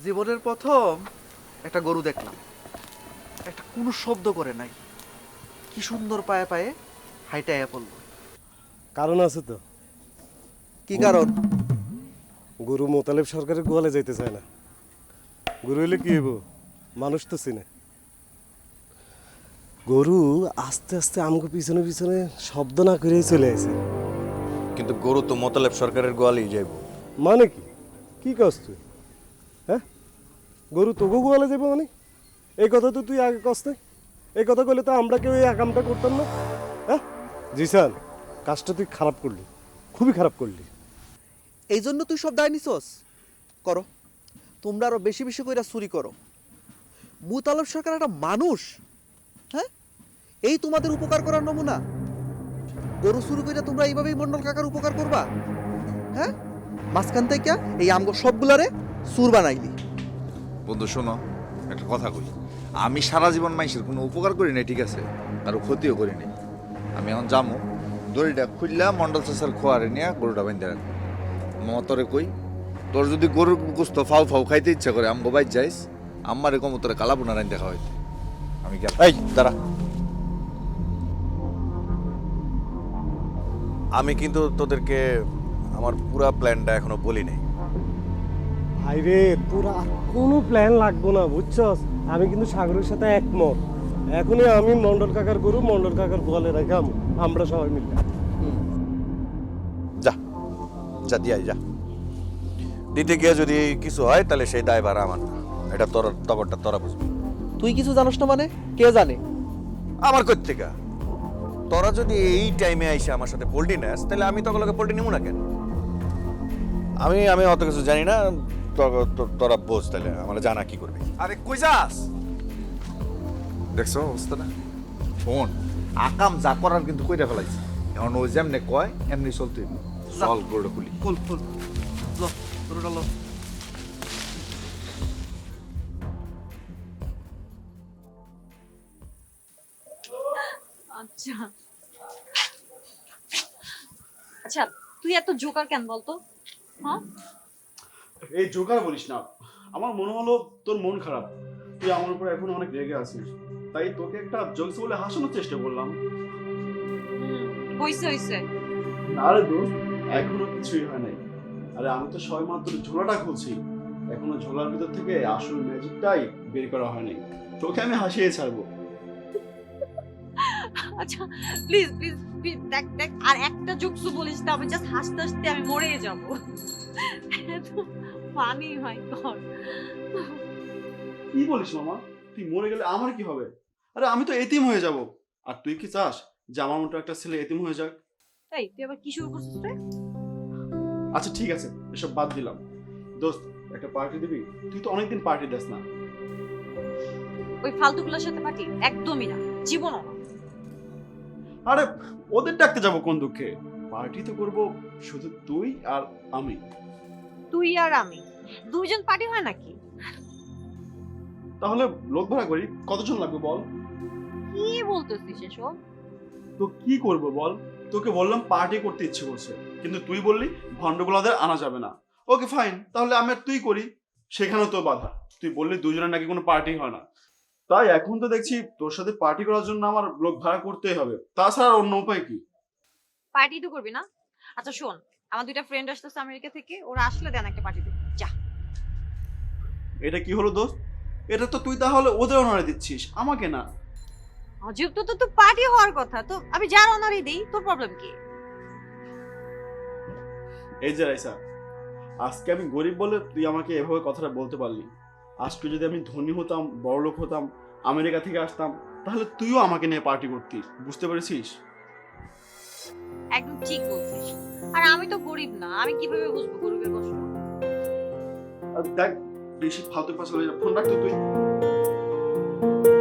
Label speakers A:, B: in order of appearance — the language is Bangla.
A: জীবনের প্রথম একটা গরু দেখলাম, একটা কোনো শব্দ করে নাই, কি সুন্দর পায়ে পায়ে হাইটা পড়ল।
B: কারণ আছে তো।
A: কি কারণ?
B: গুরু মোতালেব সরকারের গোয়ালে যাইতে চায় না। গুরু হইলে কি হইব? মানুষ তো চিনে। গরু আস্তে আস্তে আমগো পিছনে পিছনে শব্দ না করেই চলে আসে।
C: কিন্তু গরু তো মোতালেব সরকারের গোয়ালেই যাইব।
B: মানে কি? কি কস তুই? হ্যাঁ, গরু তোকে গোয়ালে যাবো মানে? এই কথা তো তুই আগে কস নাই। এই কথা কইলে তো আমরা কেউ এই আকামটা করতাম না। হ্যাঁ জিসান, কাজটা তুই খারাপ করলি, খুবই খারাপ করলি।
A: এই জন্য তুই সব দায় নিছস? করো, তোমরা আরো বেশি বেশি কইরা চুরি করো। মুতালব সরকার একটা মানুষ, হ্যাঁ? এই তোমাদের উপকার করার নমুনা? গরু চুরি কইরা তোমরা এইভাবেই মন্ডল কাকার উপকার করবা? হ্যাঁ, মাঝখান থেকে এই আমগো সবগুলারে চুর বানাইলি।
D: বন্ধু শোনো, একটা কথা কই। আমি সারা জীবন মানুষের কোনো উপকার করি নাই, ঠিক আছে, কারো ক্ষতিও করি নাই। আমি এখন যামো, দড়িটা খুললা মন্ডল চাষার খোয়ারে নিয়ে গরুটা বাঁধতে রাখবো। মামা তোরে কই, তোর যদি গরুর গোস্ত ফাউ ফাউ খাইতে ইচ্ছা করে আমগো বাইর যাইস, আম্মারে কম তোরে কালাপুনা রাইন দেখা হইতে। আমি গেলাম।
C: এই দাঁড়া, আমি কিন্তু তোদেরকে আমার পুরা প্ল্যানটা এখনো বলি নাই।
B: ভাইরে, তোর আর কোনো প্ল্যান লাগবো না, বুঝছস? আমি কিন্তু সাগরের সাথে একমত। এখনই আমি মন্ডল কাকার গরু মন্ডল কাকার গোয়ালে রাখাম, আমরা সবাই মিলে।
C: যা যা দিয়াই যা। দিতে গিয়ে যদি কিছু হয় তাহলে সেই দায়ভার আমার না। এটা তোর তবরটা তোরা বুঝবি।
A: তুই কিছু জানোস না মানে? কে জানে?
C: আমার কই থেকে? তোরা যদি এই টাইমে আইসে আমার সাথে পোল্ট্রি নেস, তাহলে আমি তখন পোল্ট্রি নিব না কেন? আমি আমি অত কিছু জানি না। তোরা বোঝ, তাহলে আমার জানা কি করবি।
D: আরে কই যাস? দেখছো অবস্থাটা? শোন, আকাম যা করার কিন্তু কইরা ফেলাইছে। এখন ও যেমনে কয় এমনি চলতে হইব। চল গরুটা খুলি।
A: ফুল ফুল লো, গরুটা লো।
E: আচ্ছা আচ্ছা, তুই এত জোকার কেন বলতো? হ্যাঁ,
F: এই জোকার বলিস না। আমার মনে হলো তোর মন খারাপ, তুই আমার উপর এখন অনেক রেগে আছিস, তাই তোকে একটা জোকস বলে হাসানোর চেষ্টা করলাম।
E: হইছে হইছে।
F: না রে দোস্ত, এখনো কিছুই হয় নাই। আরে আমি তো সবে মাত্র ঝোলাটা খুলছি, এখনো ঝোলার ভিতর থেকে আসল ম্যাজিকটাই বের করা হয়নি। তোকে আমি হাসিয়ে ছাড়বো।
E: আচ্ছা প্লিজ প্লিজ প্লিজ, দেখ দেখ, আর একটা জোকসু বলিস না, আমি জাস্ট হাসতে হাসতে আমি মরে যাব। এত ফানি হয় কর।
F: কি বলিস মামা? তুই মরে গেলে আমার কি হবে? আরে আমি তো এতিম হয়ে যাব। আর তুই কি চাস যে আমার মতো একটা ছেলে এতিম হয়ে যাক?
E: এই তুই আবার কি শুরু করছিস রে?
F: আচ্ছা ঠিক আছে, এসব বাদ দিলাম। দোস্ত, একটা পার্টি দিবি? তুই তো অনেকদিন পার্টি দিস না।
E: ওই ফালতুগুলোর সাথে পার্টি একদমই না, জীবনও না।
F: আরে ওদের ডাকতে যাব কোন দুঃখে? পার্টি তো করব শুধু তুই আর আমি।
E: তুই আর আমি দুইজন পার্টি হয় নাকি?
F: তাহলে লোক ভাড়া করি, কতজন লাগবে বল?
E: কি বলতেছিস এসব?
F: তো কি করব বল? তোকে বললাম পার্টি করতে ইচ্ছে করছে, কিন্তু তুই বললি ভন্ডগুলাদের আনা যাবে না। ওকে ফাইন, তাহলে আমি আর তুই করি। সেখানেও তো বাধা, তুই বললি দুজনের নাকি কোনো পার্টি হয় না। তাই এখন তো দেখছি তোর সাথে পার্টি করার জন্য আমার লোক ভাড়া করতেই হবে, তাছাড়া আর অন্য উপায় কি?
E: পার্টি তো করবি না? আচ্ছা শোন, আমার দুইটা ফ্রেন্ড আসতেছে আমেরিকা থেকে, ওরা আসলে দেন একটা পার্টি দিবি, যা।
F: এটা কি হলো দোস্ত? এটা তো তুই তাহলে ওদের অনারে দিচ্ছিস, আমাকে না।
E: অজীব, তো তো পার্টি হওয়ার কথা, তো আমি যার অনারই দেই, তোর প্রবলেম কি?
F: এই যে রাইসা, আজকে আমি গরিব বলে তুই আমাকে এভাবে কথাটা বলতে পারলি। আজকে যদি আমি ধনী হতাম, বড়লোক হতাম, আমেরিকা থেকে আসতাম, তাহলে তুইও আমাকে নিয়ে পার্টি করতিস, বুঝতে পেরেছিস?
E: একদম ঠিক বলছিস। আর আমি তো গরিব না, আমি কিভাবে বুঝবো গরিবের কষ্ট?
F: আর দেখ, বেশি ফালতু পাশা ফোন রাখতো তুই।